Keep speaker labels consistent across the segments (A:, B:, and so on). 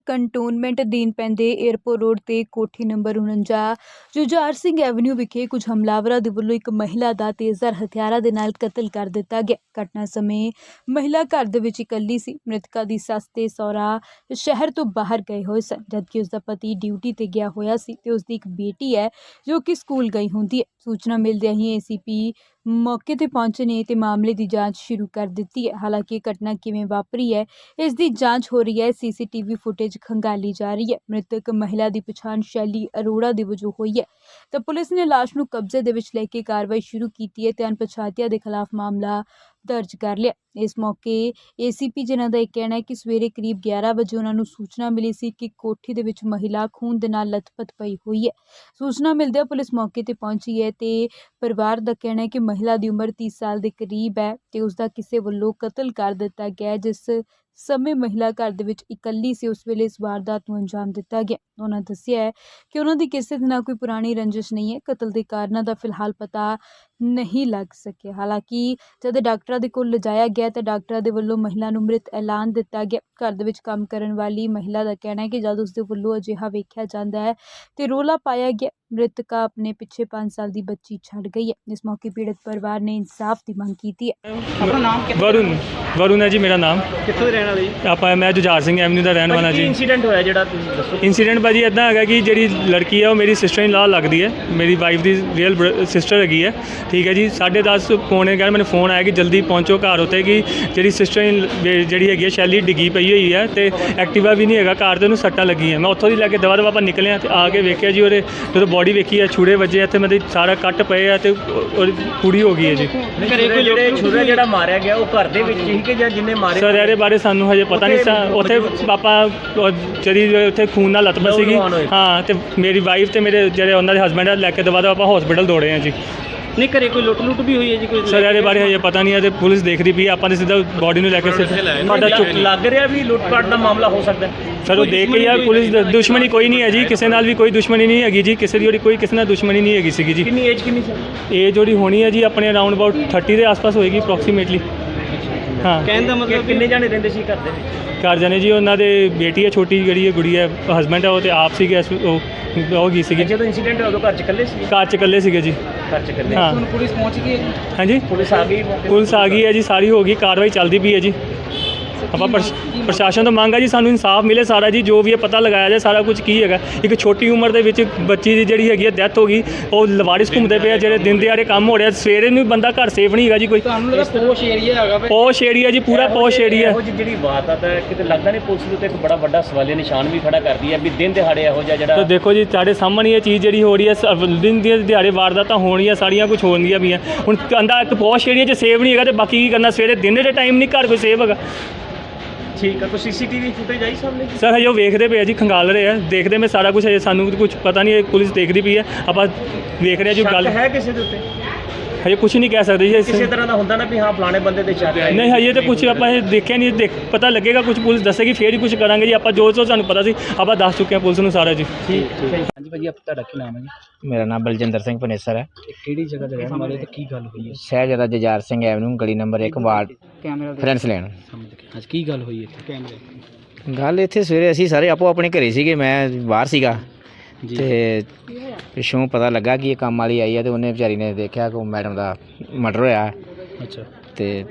A: Cantonment ਅਧੀਨ ਪੈਂਦੇ airport road ਤੇ ਕੋਠੀ ਨੰਬਰ 49 ਜੁਝਾਰ ਸਿੰਘ ਐਵਨਿਊ ਵਿਖੇ ਕੁਝ ਹਮਲਾਵਰਾਂ ਦੇ ਵੱਲੋਂ ਇੱਕ ਮਹਿਲਾ ਦਾ ਤੇਜ਼ਧਾਰ ਹਥਿਆਰਾਂ ਦੇ ਨਾਲ ਕਤਲ ਕਰ ਦਿੱਤਾ ਗਿਆ। ਘਟਨਾ ਸਮੇਂ ਮਹਿਲਾ ਘਰ ਦੇ ਵਿੱਚ ਇਕੱਲੀ ਸੀ। ਮ੍ਰਿਤਕਾ ਦੀ ਸੱਸ ਤੇ ਸਹੁਰਾ ਸ਼ਹਿਰ ਤੋਂ ਬਾਹਰ ਗਏ ਹੋਏ ਸਨ, ਜਦਕਿ ਉਸ ਦਾ ਪਤੀ ਡਿਊਟੀ ਤੇ ਗਿਆ ਹੋਇਆ ਸੀ ਤੇ ਉਸ ਦੀ ਇੱਕ ਬੇਟੀ ਹੈ ਜੋ ਕਿ ਸਕੂਲ ਗਈ ਹੁੰਦੀ ਹੈ। ਸੂਚਨਾ ਮਿਲਦਿਆਂ ਹੀ ਏਸੀਪੀ ਮੌਕੇ ਤੇ ਪਹੁੰਚੇ ਨੇ ਤੇ ਮਾਮਲੇ ਦੀ ਜਾਂਚ ਸ਼ੁਰੂ ਕਰ ਦਿੱਤੀ ਹੈ। ਹਾਲਾਂਕਿ ਇਹ ਘਟਨਾ ਕਿਵੇਂ ਵਾਪਰੀ ਹੈ, ਇਸ ਦੀ ਜਾਂਚ ਹੋ ਰਹੀ ਹੈ। ਸੀਸੀਟੀਵੀ ਫੁਟੇਜ ਖੰਗਾਲੀ ਜਾ ਰਹੀ ਹੈ। ਮ੍ਰਿਤਕ ਮਹਿਲਾ ਦੀ ਪਛਾਣ ਸ਼ੈਲੀ ਅਰੋੜਾ ਦੇ ਵਜੋਂ ਹੋਈ ਹੈ ਤਾਂ ਪੁਲਿਸ ਨੇ ਲਾਸ਼ ਨੂੰ ਕਬਜ਼ੇ ਦੇ ਵਿੱਚ ਲੈ ਕੇ ਕਾਰਵਾਈ ਸ਼ੁਰੂ ਕੀਤੀ ਹੈ ਤੇ ਅਣਪਛਾਤਿਆਂ ਦੇ ਖਿਲਾਫ ਮਾਮਲਾ ਦਰਜ ਕਰ ਲਿਆ। ਇਸ ਮੌਕੇ ਏਸੀਪੀ ਜਿਨ੍ਹਾਂ ਦਾ ਇਹ ਕਹਿਣਾ ਹੈ ਕਿ ਸਵੇਰੇ ਕਰੀਬ 11 ਵਜੇ ਉਹਨਾਂ ਨੂੰ ਸੂਚਨਾ ਮਿਲੀ ਸੀ ਕਿ ਕੋਠੀ ਦੇ ਵਿੱਚ ਮਹਿਲਾ ਖੂਨ ਦੇ ਨਾਲ ਲੱਥਪੱਥ ਪਈ ਹੋਈ ਹੈ। ਸੂਚਨਾ ਮਿਲਦਿਆਂ ਪੁਲਿਸ ਮੌਕੇ ਤੇ ਪਹੁੰਚੀ ਹੈ ਤੇ ਪਰਿਵਾਰ ਦਾ ਕਹਿਣਾ ਹੈ ਕਿ ਮਹਿਲਾ ਦੀ ਉਮਰ 30 ਸਾਲ ਦੇ ਕਰੀਬ ਹੈ ਤੇ ਉਸ ਦਾ ਕਿਸੇ ਵੱਲੋਂ ਕਤਲ ਕਰ ਦਿੱਤਾ ਗਿਆ। ਜਿਸ ਸਮੇਂ ਮਹਿਲਾ ਘਰ ਦੇ ਵਿੱਚ ਇਕੱਲੀ ਸੀ, ਉਸ ਵੇਲੇ ਇਸ ਵਾਰਦਾਤ ਨੂੰ ਅੰਜਾਮ ਦਿੱਤਾ ਗਿਆ। ਉਹਨਾਂ ਦੱਸਿਆ ਹੈ ਕਿ ਉਹਨਾਂ ਦੀ ਕਿਸੇ ਦੇ ਨਾਲ ਕੋਈ ਪੁਰਾਣੀ ਰੰਜਿਸ਼ ਨਹੀਂ ਹੈ। ਕਤਲ ਦੇ ਕਾਰਨਾਂ ਦਾ ਫਿਲਹਾਲ ਪਤਾ ਨਹੀਂ ਲੱਗ ਸਕਿਆ। ਹਾਲਾਂਕਿ ਜਦ ਡਾਕਟਰਾਂ ਦੇ ਕੋਲ ਲਿਜਾਇਆ ਗਿਆ ਤਾਂ ਡਾਕਟਰਾਂ ਦੇ ਵੱਲੋਂ ਮਹਿਲਾ ਨੂੰ ਮ੍ਰਿਤ ਐਲਾਨ ਦਿੱਤਾ ਗਿਆ। ਘਰ ਦੇ ਵਿੱਚ ਕੰਮ ਕਰਨ ਵਾਲੀ ਮਹਿਲਾ ਦਾ ਕਹਿਣਾ ਹੈ ਕਿ ਜਦ ਉਸ ਦੇ ਵੱਲੋਂ ਅਜਿਹਾ ਵੇਖਿਆ ਜਾਂਦਾ ਹੈ ਤੇ ਰੌਲਾ ਪਾਇਆ ਗਿਆ। ਮ੍ਰਿਤਕਾ ਆਪਣੇ ਪਿੱਛੇ 5 ਸਾਲ ਦੀ ਬੱਚੀ ਛੱਡ ਗਈ ਹੈ। ਇਸ ਮੌਕੇ ਪੀੜਤ ਪਰਿਵਾਰ ਨੇ ਇਨਸਾਫ ਦੀ ਮੰਗ ਕੀਤੀ ਹੈ।
B: ਆਪਣਾ ਨਾਮ
C: ਵरुण है जी मेरा नाम।
B: ਕਿੱਥੋਂ ਦੇ ਰਹਿਣ ਵਾਲੇ ਜੀ?
C: ਆਪਾਂ ਮੈਂ ਜੁਝਾਰ ਸਿੰਘ ਐਵਨਿਊ ਦਾ ਰਹਿਣ ਵਾਲਾ
B: ਕੀ
C: ਜੀ।
B: ਇਨਸੀਡੈਂਟ ਹੋਇਆ ਜਿਹੜਾ ਤੁਸੀਂ ਦੱਸੋ?
C: ਇੰਸੀਡੈਂਟ ਭਾਜੀ ਇੱਦਾਂ ਹੈਗਾ ਕਿ ਜਿਹੜੀ ਲੜਕੀ ਹੈ ਉਹ ਮੇਰੀ ਸਿਸਟਰ ਇਨ ਲਾ ਲੱਗਦੀ ਹੈ, ਮੇਰੀ ਵਾਈਫ ਦੀ ਰੀਅਲ ਸਿਸਟਰ ਹੈਗੀ ਹੈ। ਠੀਕ ਹੈ ਜੀ, 10:30 ਪੌਣੇ ਘਰ ਮੈਨੂੰ ਫੋਨ ਆਇਆ ਕਿ ਜਲਦੀ ਪਹੁੰਚੋ ਘਰ ਉੱਤੇ ਕਿ ਜਿਹੜੀ ਸਿਸਟਰ ਜਿਹੜੀ ਹੈਗੀ ਹੈ ਸ਼ੈਲੀ ਡਿੱਗੀ ਪਈ ਹੋਈ ਹੈ ਤੇ ਐਕਟਿਵਾ ਵੀ ਨਹੀਂ ਹੈਗਾ ਘਰ ਤੇ ਉਹਨੂੰ ਸੱਟਾਂ ਲੱਗੀਆਂ। ਮੈਂ ਉੱਥੋਂ ਦੀ ਲੈ ਕੇ ਦਵਾ ਦਵਾ ਆਪਾਂ ਨਿਕਲੇ ਤੇ ਆ ਕੇ ਵੇਖਿਆ ਜੀ ਉਹਦੇ ਜਦੋਂ ਬੋਡੀ ਵੇਖੀ ਹੈ ਛੁਰੇ ਵੱਜੇ ਇੱਥੇ ਮਤਲਬ ਸਾਰਾ ਕੱਟ ਪਏ ਆ ਤੇ ਉਹਦੀ ਪੂਰੀ ਹੋ ਗਈ ਹੈ ਜੀ।
B: ਘਰੇ ਕੋਈ ਜਿਹੜੇ ਛੁਰਾ ਜਿਹੜਾ ਮਾਰਿਆ ਗਿਆ ਉਹ ਘਰ ਦੇ ਵਿੱਚ ਹੀ ਕਿ ਜਾਂ ਜਿੰਨੇ ਮਾਰੇ?
C: ਸਰ ਇਹਦੇ ਬਾਰੇ ਸਾਨੂੰ ਹਜੇ ਪਤਾ ਨਹੀਂ ਸਾ। ਉੱਥੇ ਪਾਪਾ ਜਿਹੜੀ ਉੱਥੇ ਖੂਨ ਨਾਲ ਲੱਤਪੱਤ ਸੀਗੀ। ਹਾਂ, ਤੇ ਮੇਰੀ ਵਾਈਫ ਤੇ ਮੇਰੇ ਜਿਹੜੇ ਉਹਨਾਂ ਦੇ ਹਸਬੈਂਡ ਆ ਲੈ ਕੇ ਦਵਾ ਦਵਾ ਆਪਾਂ ਹਸਪੀਟਲ ਦੌੜੇ ਆ ਜੀ।
B: ਨਹੀਂ ਘਰੇ ਕੋਈ ਲੁੱਟ ਵੀ ਹੋਈ ਹੈ ਜੀ ਕੋਈ?
C: ਸਰ ਇਹਦੇ ਬਾਰੇ ਹਜੇ ਪਤਾ ਨਹੀਂ ਹੈ ਤੇ ਪੁਲਿਸ ਦੇਖਦੀ ਪਈ। ਆਪਾਂ ਨੇ ਸਿੱਧਾ ਬੋਡੀ ਨੂੰ ਲੈ ਕੇ ਸਾਡਾ
B: ਲੱਗ ਰਿਹਾ ਵੀ ਲੁੱਟ-ਪਾਟ ਦਾ ਮਾਮਲਾ ਹੋ ਸਕਦਾ
C: ਸਰ। ਉਹ ਦੇਖ ਕੇ ਯਾਰ ਪੁਲਿਸ ਦੁਸ਼ਮਣੀ ਕੋਈ ਨਹੀਂ ਹੈ ਜੀ, ਕਿਸੇ ਨਾਲ ਵੀ ਕੋਈ ਦੁਸ਼ਮਣੀ ਨਹੀਂ ਹੈਗੀ ਜੀ। ਕਿਸੇ ਦੀ ਕੋਈ ਕਿਸੇ ਨਾਲ ਦੁਸ਼ਮਣੀ ਨਹੀਂ ਹੈਗੀ ਸੀਗੀ ਜੀ।
B: ਕਿੰਨੀ ਏਜ ਕਿੰਨੀ ਸੀ?
C: ਏਜ ਜਿਹੜੀ ਹੋਣੀ ਹੈ ਜੀ ਆਪਣੇ ਅਰਾਊਂਡ ਅਬਾਊਟ 30 ਦੇ ਆਸ-ਪਾਸ ਹੋਏਗੀ ਅਪਰੋਕਸੀਮੇਟਲੀ। ਹਾਂ,
B: ਕਹਿਣ ਦਾ ਮਤਲਬ ਕਿੰਨੇ ਜਾਣੇ ਰਹਿੰਦੇ ਸੀ ਘਰ ਦੇ ਵਿੱਚ?
C: ਘਰ ਜਾਣੇ ਜੀ ਉਹਨਾਂ ਦੇ ਬੇਟੀ ਹੈ ਛੋਟੀ ਜਿਹੜੀ ਹੈ ਗੁੜੀ ਹੈ, ਹਸਬੈਂਡ ਹੈ ਉਹ ਤੇ ਆਪ ਸੀਗੇ। ਉਹ ਗਈ ਸੀਗੀ
B: ਜਦੋਂ ਇਨਸੀਡੈਂਟ ਹੋਇਆ ਉਦੋਂ ਘਰ 'ਚ ਇਕੱਲੇ ਸੀ?
C: ਘਰ 'ਚ ਇਕੱਲੇ ਸੀਗੇ ਜੀ।
B: ਘਰ 'ਚ ਇਕੱਲੇ।
C: ਹਾਂ।
B: ਹੁਣ ਪੁਲਿਸ ਪਹੁੰਚ ਗਈ ਹੈ?
C: ਹਾਂਜੀ,
B: ਪੁਲਿਸ ਆ ਗਈ?
C: ਪੁਲਿਸ ਆ ਗਈ ਹੈ ਜੀ, ਸਾਰੀ ਹੋ ਗਈ, ਕਾਰਵਾਈ ਚੱਲਦੀ ਪਈ ਹੈ ਜੀ। ਆਪਾਂ ਪ੍ਰਸ਼ਾਸਨ ਤੋਂ ਮੰਗ ਹੈ ਜੀ ਸਾਨੂੰ ਇਨਸਾਫ ਮਿਲੇ ਸਾਰਾ ਜੀ, ਜੋ ਵੀ ਇਹ ਪਤਾ ਲਗਾਇਆ ਜਾਏ ਸਾਰਾ ਕੁਝ ਕੀ ਹੈਗਾ। ਇੱਕ ਛੋਟੀ ਉਮਰ ਦੇ ਵਿੱਚ ਬੱਚੀ ਦੀ ਜਿਹੜੀ ਹੈਗੀ ਹੈ ਡੈਥ ਹੋ ਗਈ। ਉਹ ਲਵਾਰਿਸ ਘੁੰਮਦੇ ਪਏ ਆ, ਜਿਹੜੇ ਦਿਨ ਦਿਹਾੜੇ ਕੰਮ ਹੋ ਰਿਹਾ, ਸਵੇਰੇ ਨੂੰ ਬੰਦਾ ਘਰ ਸੇਫ ਨਹੀਂ ਹੈਗਾ ਜੀ। ਕੋਈ
B: ਪੋਸ਼ ਏਰੀਆ ਹੈਗਾ?
C: ਪੋਸ਼ ਏਰੀਆ ਜੀ, ਪੂਰਾ ਪੋਸ਼ ਏਰੀਆ।
B: ਜਿਹੜੀ ਬਾਤ ਹੈ ਕਿਤੇ ਲੱਗਦਾ ਨਹੀਂ ਪੁਲਿਸ ਦੇ ਉੱਤੇ ਇੱਕ ਬੜਾ ਵੱਡਾ ਸਵਾਲੀਆ ਨਿਸ਼ਾਨ ਵੀ ਖੜਾ ਕਰਦੀ ਹੈ ਵੀ ਦਿਨ ਦਿਹਾੜੇ ਇਹੋ ਜਿਹਾ ਜਿਹੜਾ।
C: ਤਾਂ ਦੇਖੋ ਜੀ ਤੁਹਾਡੇ ਸਾਹਮਣੇ ਇਹ ਚੀਜ਼ ਜਿਹੜੀ ਹੋ ਰਹੀ ਹੈ, ਦਿਨ ਦੀ ਦਿਹਾੜੇ ਵਾਰਦਾਤਾਂ ਹੋਣੀਆਂ ਸਾਰੀਆਂ ਕੁਝ ਹੋਣਗੀਆਂ ਵੀ ਆ। ਹੁਣ ਕਹਿੰਦਾ ਇੱਕ ਪੋਸ਼ ਏਰੀਆ 'ਚ ਸੇਫ ਨਹੀਂ ਹੈਗਾ ਤੇ ਬਾਕੀ ਕੀ ਕਰਨਾ, ਸਵੇਰੇ ਦਿਨ ਦੇ ਟਾਈਮ ਨਹੀਂ ਘਰ ਕੋਈ ਸੇਫ ਹੈਗਾ।
B: ਠੀਕ ਹੈ, ਕੋਈ ਸੀਸੀਟੀਵੀ ਫੁਟੇਜ ਆਈ ਸਾਹਮਣੇ?
C: ਸਰ ਹਜੇ ਉਹ ਵੇਖਦੇ ਪਏ ਆ ਜੀ, ਖੰਗਾਲ ਰਹੇ ਆ, ਦੇਖਦੇ ਮੈਂ ਸਾਰਾ ਕੁਝ। ਹਜੇ ਸਾਨੂੰ ਕੁਝ ਪਤਾ ਨਹੀਂ, ਪੁਲਿਸ ਦੇਖਦੀ ਪਈ ਹੈ, ਆਪਾਂ ਵੇਖ ਰਹੇ ਜੀ। ਗੱਲ
B: ਹੈ ਕਿਸੇ ਦੇ ਉੱਤੇ?
C: ਹਜੇ ਕੁਝ ਨਹੀਂ ਕਹਿ ਸਕਦੇ ਜੀ।
B: ਕਿਸੇ ਤਰ੍ਹਾਂ ਦਾ ਹੁੰਦਾ ਨਾ ਵੀ ਹਾਂ ਫਲਾਣੇ ਬੰਦੇ ਦੇ ਸ਼ੱਕ ਹੈ?
C: ਨਹੀਂ, ਹਜੇ ਤਾਂ ਕੁਝ ਆਪਾਂ ਇਹ ਦੇਖਿਆ ਨਹੀਂ। ਪਤਾ ਲੱਗੇਗਾ, ਕੁਝ ਪੁਲਿਸ ਦੱਸੇਗੀ ਫੇਰ ਹੀ ਕੁਝ ਕਰਾਂਗੇ ਜੀ। ਆਪਾਂ ਜੋ ਸਾਨੂੰ ਪਤਾ ਸੀ ਆਪਾਂ ਦੱਸ ਚੁੱਕੇ ਹਾਂ ਪੁਲਿਸ ਨੂੰ ਸਾਰਾ ਜੀ।
B: ਠੀਕ। ਹਾਂਜੀ ਭਾਜੀ, ਤੁਹਾਡਾ ਕੀ ਨਾਮ ਹੈ ਜੀ?
D: ਮੇਰਾ ਨਾਮ ਬਲਜਿੰਦਰ ਸਿੰਘ ਪਨੇਸਰ ਹੈ।
B: ਕਿਹੜੀ ਜਗ੍ਹਾ ਤੇ ਰਹਿਣ ਵਾਲੇ ਤੇ ਕੀ ਗੱਲ ਹੋਈ ਹੈ?
D: ਸ਼ਹਿਜ਼ਾਦਾ ਜੁਝਾਰ ਸਿੰਘ ਐਵਨਿਊ ਗਲੀ ਨੰਬਰ 1 ਵਾਰਡ ਫਰੈਂਸ ਲੈਣ।
B: ਅੱਜ ਕੀ ਗੱਲ ਹੋਈ ਇੱਥੇ? ਕੈਮਰੇ
D: ਗੱਲ ਇੱਥੇ ਸਵੇਰੇ ਅਸੀਂ ਸਾਰੇ ਆਪੋ ਆਪਣੇ ਘਰੇ ਸੀਗੇ, ਮੈਂ ਬਾਹਰ ਸੀਗਾ ਤੇ ਪਿੱਛੋਂ ਪਤਾ ਲੱਗਾ ਕਿ ਇਹ ਕੰਮ ਵਾਲੀ ਆਈ ਹੈ ਤੇ ਉਹਨੇ ਵਿਚਾਰੀ ਨੇ ਦੇਖਿਆ ਕਿ ਮੈਡਮ ਦਾ ਮਰਡਰ ਹੋਇਆ।
B: ਅੱਛਾ।
D: ਤੇ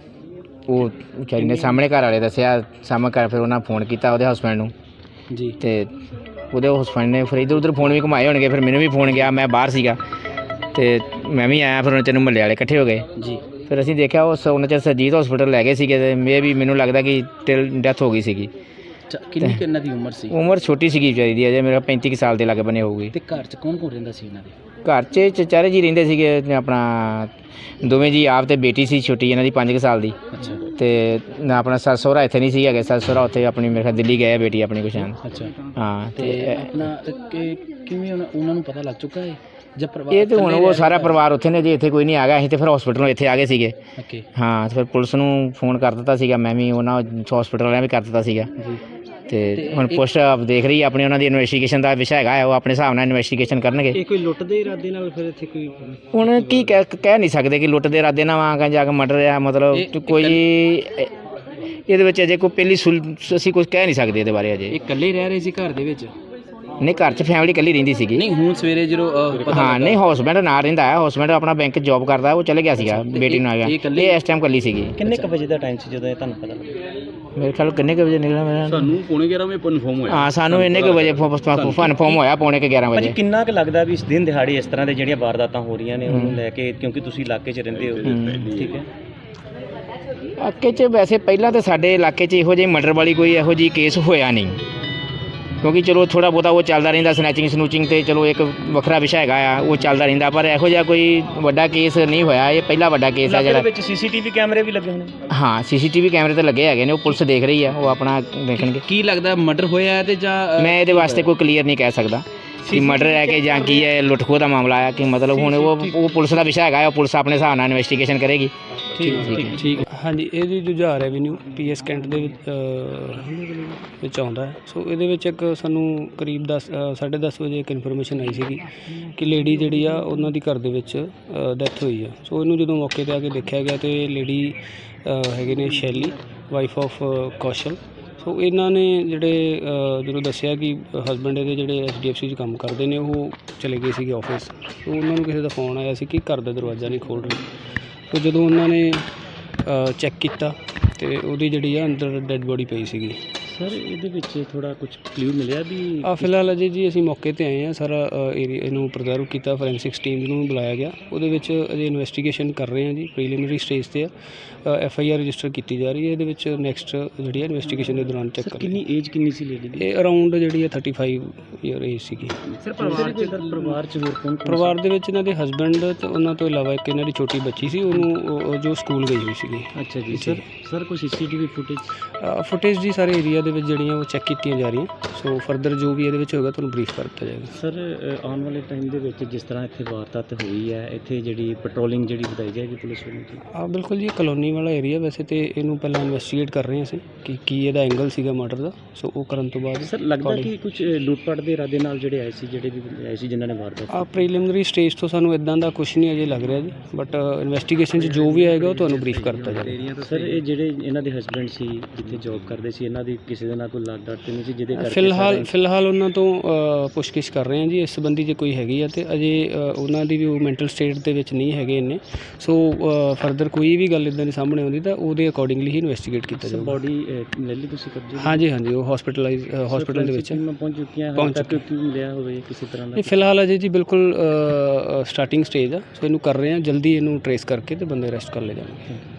D: ਉਹ ਵਿਚਾਰੀ ਨੇ ਸਾਹਮਣੇ ਘਰ ਵਾਲੇ ਦੱਸਿਆ, ਸਾਹਮਣੇ ਘਰ ਫਿਰ ਉਹਨਾਂ ਫੋਨ ਕੀਤਾ ਉਹਦੇ ਹਸਬੈਂਡ ਨੂੰ
B: ਜੀ।
D: ਤੇ ਉਹਦੇ ਹਸਬੈਂਡ ਨੇ ਫਿਰ ਇੱਧਰ ਉੱਧਰ ਫੋਨ ਵੀ ਘੁਮਾਏ ਹੋਣਗੇ। ਫਿਰ ਮੈਨੂੰ ਵੀ ਫੋਨ ਗਿਆ, ਮੈਂ ਬਾਹਰ ਸੀਗਾ ਤੇ ਮੈਂ ਵੀ ਆਇਆ। ਫਿਰ ਉਹਨਾਂ ਚਿਰ ਮਹੱਲੇ ਵਾਲੇ ਇਕੱਠੇ ਹੋ ਗਏ
B: ਜੀ।
D: ਫਿਰ ਅਸੀਂ ਦੇਖਿਆ ਉਹਨਾਂ ਚਿਰ ਸਰਜੀਤ ਹਸਪੀਟਲ ਲੈ ਗਏ ਸੀਗੇ ਤੇ ਮੈਨੂੰ ਲੱਗਦਾ ਕਿ ਡੈਥ ਹੋ ਗਈ ਸੀਗੀ।
B: ਕਿੰਨੀ ਕਿੰਨਾ ਦੀ ਉਮਰ ਸੀ?
D: ਉਮਰ ਛੋਟੀ ਸੀਗੀ ਵਿਚਾਰੀ ਦੀ, ਅਜੇ ਮੇਰਾ 35 ਸਾਲ ਦੇ ਲੱਗ ਬਣੇ ਹੋਊਗੀ।
B: ਤੇ ਘਰ 'ਚ ਕੌਣ ਕੌਣ ਰਹਿੰਦਾ ਸੀ ਇਹਨਾਂ ਦੇ?
D: ਘਰ 'ਚ ਚਚਾਰੇ ਜੀ ਰਹਿੰਦੇ ਸੀਗੇ, ਆਪਣਾ ਦੋਵੇਂ ਜੀ ਆਪ ਤੇ ਬੇਟੀ ਸੀ ਛੋਟੀ ਇਹਨਾਂ ਦੀ 5 ਸਾਲ ਦੀ।
B: ਅੱਛਾ।
D: ਤੇ ਆਪਣਾ ਸੱਸ ਸਹੁਰਾ ਇੱਥੇ ਨਹੀਂ ਸੀ ਹੈਗੇ, ਸੱਸ ਸਹੁਰਾ ਉੱਥੇ ਆਪਣੀ ਮੇਰੇ ਖਿਆਲ ਦਿੱਲੀ ਗਏ ਬੇਟੀ ਆਪਣੀ ਕੁਛ।
B: ਅੱਛਾ।
D: ਹਾਂ।
B: ਤੇ ਆਪਣਾ ਕਿਵੇਂ ਉਹਨਾਂ ਨੂੰ ਪਤਾ ਲੱਗ ਚੁੱਕਾ ਹੈ?
D: ਇਹ ਤਾਂ ਹੁਣ ਉਹ ਸਾਰਾ ਪਰਿਵਾਰ ਉੱਥੇ ਨੇ ਜੀ, ਇੱਥੇ ਕੋਈ ਨਹੀਂ ਆ ਗਿਆ। ਅਸੀਂ ਤਾਂ ਫਿਰ ਹਸਪੀਟਲੋਂ ਇੱਥੇ ਆ ਗਏ ਸੀਗੇ।
B: ਓਕੇ।
D: ਹਾਂ, ਫਿਰ ਪੁਲਿਸ ਨੂੰ ਫੋਨ ਕਰ ਦਿੱਤਾ ਸੀਗਾ, ਮੈਂ ਵੀ ਉਹਨਾਂ ਹਸਪੀਟਲ ਵਾਲਿਆਂ ਵੀ ਕਰ ਦਿੱਤਾ ਸੀਗਾ। ਤੇ ਹੁਣ ਪੁਲਿਸ ਦੇਖ ਰਹੀ ਆਪਣੀ, ਉਹਨਾਂ ਦੀ ਇਨਵੈਸਟੀਗੇਸ਼ਨ ਦਾ ਵਿਸ਼ਾ ਹੈਗਾ, ਉਹ ਆਪਣੇ ਹਿਸਾਬ ਨਾਲ ਇਨਵੈਸਟੀਗੇਸ਼ਨ ਕਰਨਗੇ।
B: ਇਹ ਕੋਈ ਲੁੱਟ ਦੇ ਇਰਾਦੇ ਨਾਲ ਫਿਰ ਇੱਥੇ ਕੋਈ
D: ਹੁਣ ਕੀ ਕਹਿ ਨਹੀਂ ਸਕਦੇ ਕਿ ਲੁੱਟ ਦੇ ਇਰਾਦੇ ਨਾਲ ਆ ਜਾ ਕੇ ਮਰਡਰ ਆ। ਮਤਲਬ ਕੋਈ ਇਹਦੇ ਵਿੱਚ ਅਜੇ ਕੋਈ ਪਹਿਲੀ ਅਸੀਂ ਕੁਝ ਕਹਿ ਨਹੀਂ ਸਕਦੇ ਇਹਦੇ ਬਾਰੇ ਅਜੇ।
E: ਇਹ ਇਕੱਲੇ ਰਹਿ ਰਹੇ ਸੀ ਘਰ ਦੇ ਵਿੱਚ?
D: ਨਹੀਂ, ਘਰ 'ਚ ਫੈਮਿਲੀ ਇਕੱਲੀ ਰਹਿੰਦੀ ਸੀਗੀ।
E: ਨਹੀਂ, ਹੁਣ ਸਵੇਰੇ ਜਦੋਂ
D: ਹਾਂ, ਨਹੀਂ, ਹਸਬੈਂਡ ਨਾਲ ਰਹਿੰਦਾ ਹੈ, ਹਸਬੈਂਡ ਆਪਣਾ ਬੈਂਕ ਜੌਬ ਕਰਦਾ, ਉਹ ਚਲੇ ਗਿਆ ਸੀਗਾ, ਬੇਟੀ ਨੂੰ ਆ ਗਿਆ। ਇਹ ਇਸ ਟਾਈਮ ਇਕੱਲੀ ਸੀਗੀ।
B: ਕਿੰਨੇ ਕੁ ਵਜੇ ਦਾ ਟਾਈਮ ਸੀ ਜਦੋਂ ਇਹ ਤੁਹਾਨੂੰ ਪਤਾ ਲੱਗਾ?
D: ਮੇਰੇ ਖਿਆਲ ਕਿੰਨੇ ਕੁ ਵਜੇ ਨਿਕਲਿਆ ਮੇਰਾ?
E: ਸਾਨੂੰ ਪੌਣੇ 11 ਵਜੇ ਕਨਫਰਮ ਹੋਇਆ।
D: ਹਾਂ, ਸਾਨੂੰ ਇੰਨੇ ਕੁ ਵਜੇ ਕਨਫਰਮ ਹੋਇਆ, ਪੌਣੇ 11
B: ਭਾਜੀ
D: ਵਜੇ।
B: ਕਿੰਨਾ ਕੁ ਲੱਗਦਾ ਵੀ ਇਸ ਦਿਨ ਦਿਹਾੜੇ ਇਸ ਤਰ੍ਹਾਂ ਦੇ ਜਿਹੜੀਆਂ ਵਾਰਦਾਤਾਂ ਹੋ ਰਹੀਆਂ ਨੇ ਉਹਨੂੰ ਲੈ ਕੇ, ਕਿਉਂਕਿ ਤੁਸੀਂ ਇਲਾਕੇ 'ਚ ਰਹਿੰਦੇ ਹੋ, ਠੀਕ ਹੈ?
D: ਇਲਾਕੇ 'ਚ ਵੈਸੇ ਪਹਿਲਾਂ ਤਾਂ ਸਾਡੇ ਇਲਾਕੇ 'ਚ ਇਹੋ ਜਿਹੀ ਮਰਡਰ ਵਾਲੀ ਕੋਈ ਇਹੋ ਜਿਹੀ ਕੇਸ ਹੋਇਆ ਨਹੀਂ, ਕਿਉਂਕਿ ਚਲੋ ਥੋੜ੍ਹਾ ਬਹੁਤਾ ਉਹ ਚੱਲਦਾ ਰਹਿੰਦਾ, ਸਨੈਚਿੰਗ ਸਨੂਚਿੰਗ ਤੇ ਚਲੋ ਇੱਕ ਵੱਖਰਾ ਵਿਸ਼ਾ ਹੈਗਾ ਆ, ਉਹ ਚੱਲਦਾ ਰਹਿੰਦਾ, ਪਰ ਇਹੋ ਜਿਹਾ ਕੋਈ ਵੱਡਾ ਕੇਸ ਨਹੀਂ ਹੋਇਆ। ਇਹ ਪਹਿਲਾ ਵੱਡਾ ਕੇਸ ਆ
B: ਇਲਾਕੇ ਦੇ
D: ਜਿਹੜਾ।
B: ਵਿੱਚ ਸੀਸੀਟੀਵੀ ਕੈਮਰੇ ਵੀ ਲੱਗੇ ਹੋਣੇ?
D: ਹਾਂ, ਸੀਸੀਟੀਵੀ ਕੈਮਰੇ ਤਾਂ ਲੱਗੇ ਹੈਗੇ ਨੇ, ਉਹ ਪੁਲਿਸ ਦੇਖ ਰਹੀ ਆ, ਉਹ ਆਪਣਾ ਦੇਖਣਗੇ।
E: ਕੀ ਲੱਗਦਾ ਮਰਡਰ ਹੋਇਆ ਤੇ ਜਾਂ
D: ਮੈਂ ਇਹਦੇ ਵਾਸਤੇ ਕੋਈ ਕਲੀਅਰ ਨਹੀਂ ਕਹਿ ਸਕਦਾ ਕਿ ਮਰਡਰ ਹੈ ਕਿ ਜਾਂ ਕੀ ਹੈ, ਲੁੱਟ ਖੋਹ ਦਾ ਮਾਮਲਾ ਆ ਕਿ ਮਤਲਬ ਹੁਣ ਉਹ ਪੁਲਿਸ ਦਾ ਵਿਸ਼ਾ ਹੈਗਾ, ਉਹ ਪੁਲਿਸ ਆਪਣੇ ਹਿਸਾਬ ਨਾਲ ਇਨਵੈਸਟੀਗੇਸ਼ਨ ਕਰੇਗੀ।
E: ਠੀਕ?
F: ਹਾਂਜੀ, ਇਹ ਜੀ ਜੁਝਾਰ ਐਵੀਨਿਊ ਪੀਐਸ ਕੈਂਟ ਦੇ ਵਿੱਚ ਆਉਂਦਾ ਹੈ। ਸੋ ਇਹਦੇ ਵਿੱਚ ਇੱਕ ਸਾਨੂੰ ਕਰੀਬ 10:30 ਵਜੇ ਇੱਕ ਇਨਫੋਰਮੇਸ਼ਨ ਆਈ ਸੀਗੀ ਕਿ ਲੇਡੀ ਜਿਹੜੀ ਆ ਉਹਨਾਂ ਦੀ ਘਰ ਦੇ ਵਿੱਚ ਡੈਥ ਹੋਈ ਆ। ਸੋ ਇਹਨੂੰ ਜਦੋਂ ਮੌਕੇ 'ਤੇ ਆ ਕੇ ਦੇਖਿਆ ਗਿਆ ਤੇ ਲੇਡੀ ਹੈਗੇ ਨੇ ਸ਼ੈਲੀ, ਵਾਈਫ ਆਫ ਕੌਸ਼ਲ। ਸੋ ਇਹਨਾਂ ਨੇ ਜਿਹੜੇ ਜਦੋਂ ਦੱਸਿਆ ਕਿ ਹਸਬੈਂਡ ਇਹਦੇ ਜਿਹੜੇ HDFC 'ਚ ਕੰਮ ਕਰਦੇ ਨੇ, ਉਹ ਚਲੇ ਗਏ ਸੀਗੇ ਆਫਿਸ। ਸੋ ਉਹਨਾਂ ਨੂੰ ਕਿਸੇ ਦਾ ਫੋਨ ਆਇਆ ਸੀ ਕਿ ਘਰ ਦਾ ਦਰਵਾਜ਼ਾ ਨਹੀਂ ਖੋਲ੍ਹ ਰਹੇ। ਸੋ ਜਦੋਂ ਉਹਨਾਂ ਨੇ ਚੈੱਕ ਕੀਤਾ ਤੇ ਉਹਦੀ ਜਿਹੜੀ ਆ ਅੰਦਰ ਡੈੱਡ ਬੋਡੀ ਪਈ ਸੀਗੀ।
B: ਸਰ ਇਹਦੇ ਵਿੱਚ ਥੋੜਾ ਕੁਝ ਕਲੂ ਮਿਲਿਆ ਵੀ?
F: ਫਿਲਹਾਲ ਅਜੇ ਜੀ ਅਸੀਂ ਮੌਕੇ 'ਤੇ ਆਏ ਹਾਂ, ਸਾਰਾ ਏਰੀਆ ਇਹਨੂੰ ਪ੍ਰਜ਼ਰਵ ਕੀਤਾ, ਫੋਰੈਂਸਿਕਸ ਟੀਮ ਨੂੰ ਬੁਲਾਇਆ ਗਿਆ। ਉਹਦੇ ਵਿੱਚ ਅਜੇ ਇਨਵੈਸਟੀਗੇਸ਼ਨ ਕਰ ਰਹੇ ਹਾਂ ਜੀ, ਪ੍ਰੀਲਿਮਿਨਰੀ ਸਟੇਜ 'ਤੇ ਆ। FIR ਰਜਿਸਟਰ ਕੀਤੀ ਜਾ ਰਹੀ ਹੈ। ਇਹਦੇ ਵਿੱਚ ਨੈਕਸਟ ਜਿਹੜੀ ਹੈ ਇਨਵੈਸਟੀਗੇਸ਼ਨ ਦੇ ਦੌਰਾਨ ਚੈੱਕ ਕਰ
B: ਕਿੰਨੀ ਏਜ ਕਿੰਨੀ ਸੀ ਲੇਡੀ ਦੀ?
F: ਇਹ ਅਰਾਊਂਡ ਜਿਹੜੀ ਹੈ 35 ਈਅਰ ਏਜ ਸੀਗੀ।
B: ਸਰ ਪਰਿਵਾਰ 'ਚ ਹੋਰ ਕੌਣ?
F: ਪਰਿਵਾਰ ਦੇ ਵਿੱਚ ਇਹਨਾਂ ਦੇ ਹਸਬੈਂਡ ਤੇ ਉਹਨਾਂ ਤੋਂ ਇਲਾਵਾ ਇੱਕ ਇਹਨਾਂ ਦੀ ਛੋਟੀ ਬੱਚੀ ਸੀ, ਉਹਨੂੰ ਜੋ ਸਕੂਲ ਗਈ ਹੋਈ ਸੀਗੀ।
B: ਅੱਛਾ ਜੀ। ਸਰ ਕੋਈ CCTV
F: ਫੁਟੇਜ ਜੀ ਸਾਰੇ ਏਰੀਆ ਦੇ ਵਿੱਚ ਜਿਹੜੀਆਂ ਉਹ ਚੈੱਕ ਕੀਤੀਆਂ ਜਾ ਰਹੀਆਂ। ਸੋ ਫਰਦਰ ਜੋ ਵੀ ਇਹਦੇ ਵਿੱਚ ਹੋਏਗਾ ਤੁਹਾਨੂੰ ਬਰੀਫ ਕਰ ਦਿੱਤਾ ਜਾਏਗਾ।
B: ਸਰ ਆਉਣ ਵਾਲੇ ਟਾਈਮ ਦੇ ਵਿੱਚ ਜਿਸ ਤਰ੍ਹਾਂ ਇੱਥੇ ਵਾਰਦਾਤ ਹੋਈ ਹੈ, ਇੱਥੇ ਜਿਹੜੀ ਪੈਟਰੋਲਿੰਗ ਜਿਹੜੀ ਵਧਾਈ ਜਾਏਗੀ ਪੁਲਿਸ ਵੱਲੋਂ?
F: ਬਿਲਕੁਲ ਜੀ, ਕਲੋਨੀ ਵਾਲਾ ਏਰੀਆ ਵੈਸੇ ਤੇ ਇਹਨੂੰ ਪਹਿਲਾਂ ਇਨਵੈਸਟੀਗੇਟ ਕਰ ਰਹੇ ਅਸੀਂ ਕਿ ਕੀ ਇਹਦਾ ਐਂਗਲ ਸੀਗਾ ਮਰਡਰ ਦਾ। ਸੋ ਉਹ ਕਰਨ ਤੋਂ ਬਾਅਦ
B: ਸਰ ਲੱਗਦਾ ਕਿ ਕੁਝ ਲੁੱਟਪਾਟ ਦੇ ਇਰਾਦੇ ਨਾਲ ਜਿਹੜੇ ਆਏ ਸੀ ਜਿਨ੍ਹਾਂ ਨੇ ਵਾਰਦਾਤ?
F: ਪ੍ਰੀਲਿਮਿਨਰੀ ਸਟੇਜ ਤੋਂ ਸਾਨੂੰ ਇਦਾਂ ਦਾ ਕੁਝ ਨਹੀਂ ਅਜੇ ਲੱਗ ਰਿਹਾ ਜੀ, ਬਟ ਇਨਵੈਸਟੀਗੇਸ਼ਨ 'ਚ ਜੋ ਵੀ ਆਏਗਾ ਉਹ ਤੁਹਾਨੂੰ ਬਰੀਫ ਕਰ ਦਿੱਤਾ ਜਾਏਗਾ।
B: ਸਰ ਇਹ ਜਿਹੜੇ ਇਹਨਾਂ ਦੇ ਹਸਬੈਂਡ ਸੀ ਜਿੱਥੇ ਜੌਬ ਕਰਦੇ ਸੀ, ਇਹਨਾਂ ਦੀ ਕਿਸੇ ਦੇ ਨਾਲ ਕੋਈ ਲਾਗ ਡਾਟ ਨਹੀਂ ਸੀ ਜਿਹਦੇ ਕਰਕੇ?
F: ਫਿਲਹਾਲ ਉਹਨਾਂ ਤੋਂ ਪੁੱਛਗਿੱਛ ਕਰ ਰਹੇ ਹਾਂ ਜੀ ਇਸ ਸੰਬੰਧੀ, ਜੇ ਕੋਈ ਹੈਗੀ ਆ ਤੇ ਅਜੇ ਉਹਨਾਂ ਦੀ ਵੀ ਉਹ ਮੈਂਟਲ ਸਟੇਟ ਦੇ ਵਿੱਚ ਨਹੀਂ ਹੈਗੇ ਇੰਨੇ। ਸੋ ਫਰਦਰ ਕੋਈ ਵੀ ਗੱਲ ਇਦਾਂ ਦੀ ਸਾਹਮਣੇ ਆਉਂਦੀ ਤਾਂ ਉਹਦੇ ਅਕੋਰਡਿੰਗਲੀ ਹੀ ਇਨਵੈਸਟੀਗੇਟ ਕੀਤਾ ਜਾਊਗਾ।
B: ਬੋਡੀ ਲੈ ਲਈ ਤੁਸੀਂ ਕਬਜ਼ੇ?
F: ਹਾਂਜੀ, ਉਹ ਹਸਪੀਟਲ ਦੇ ਵਿੱਚ
B: ਪਹੁੰਚ ਚੁੱਕੀਆਂ? ਕੀ ਮਿਲਿਆ ਹੋਵੇ ਕਿਸੇ ਤਰ੍ਹਾਂ ਦਾ?
F: ਇਹ ਫਿਲਹਾਲ ਅਜੇ ਜੀ ਬਿਲਕੁਲ ਸਟਾਰਟਿੰਗ ਸਟੇਜ ਆ। ਸੋ ਇਹਨੂੰ ਕਰ ਰਹੇ ਹਾਂ, ਜਲਦੀ ਇਹਨੂੰ ਟਰੇਸ ਕਰਕੇ ਤੇ ਬੰਦੇ ਅਰੈਸਟ ਕਰ ਲਏ ਜਾਣਗੇ।